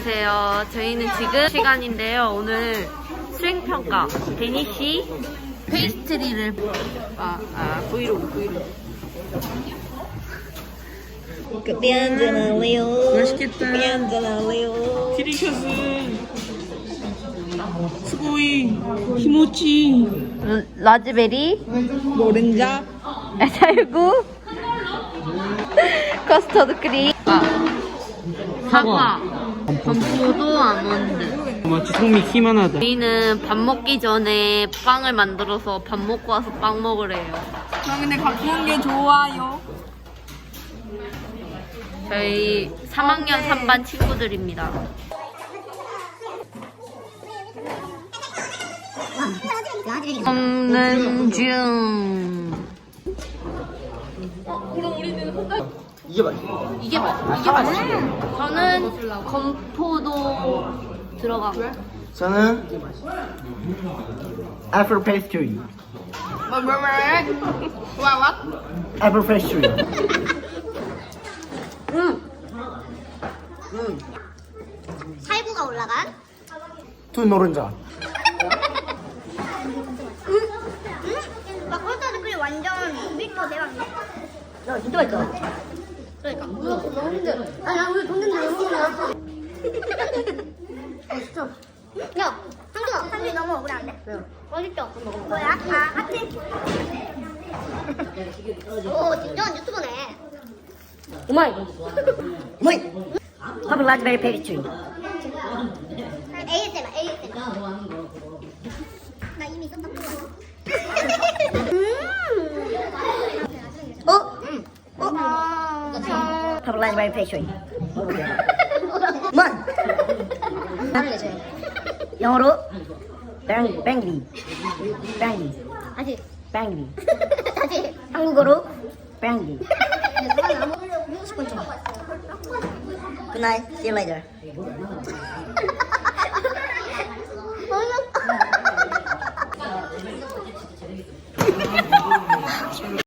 안녕하세요. 저희는 지금 시간인데요. 오늘 수행평가 데니쉬 페이스트리를 브이로그 그때 한잔할래요. 맛있겠다. 그때 한잔할래요. 디리셔스 스고이 히모치 라즈베리 노른자 살구 커스터드 크림 사과 건포도 아몬드. 마치 성미 키만하다. 저희는 밥 먹기 전에 빵을 만들어서 밥 먹고 와서 빵 먹으래요. 저 근데 가꾸는 게 좋아요. 저희 3학년 3반 친구들입니다. 먹는 중. 이게 맛있어. 저는 건포도 들어가고. 저는 애플 페스트리. 애플 페스트리. 살구가 올라간 두 노른자. 막 콜타드 크림 완전 미터 대박이야. 야, 진짜 맛있다. 그러니까 너무 힘들어. 아니 나 오늘 돈 든다 너무 힘들어. 진짜. 야 상준이 너무 억울한데? 왜요? 맛있죠? 뭐야? 하트? 오 진정한 유튜버네. 오마이. 오마이. 퍼블 라즈베리 페이스트리. ASMR. 나 이미 썼다. 퍼블 라즈베리 페이스트리. 만. 영어로 뱅리. 다시. 뱅리. 다시. 한국어로 뱅리. 먹고 싶은 척. Good night. See you later.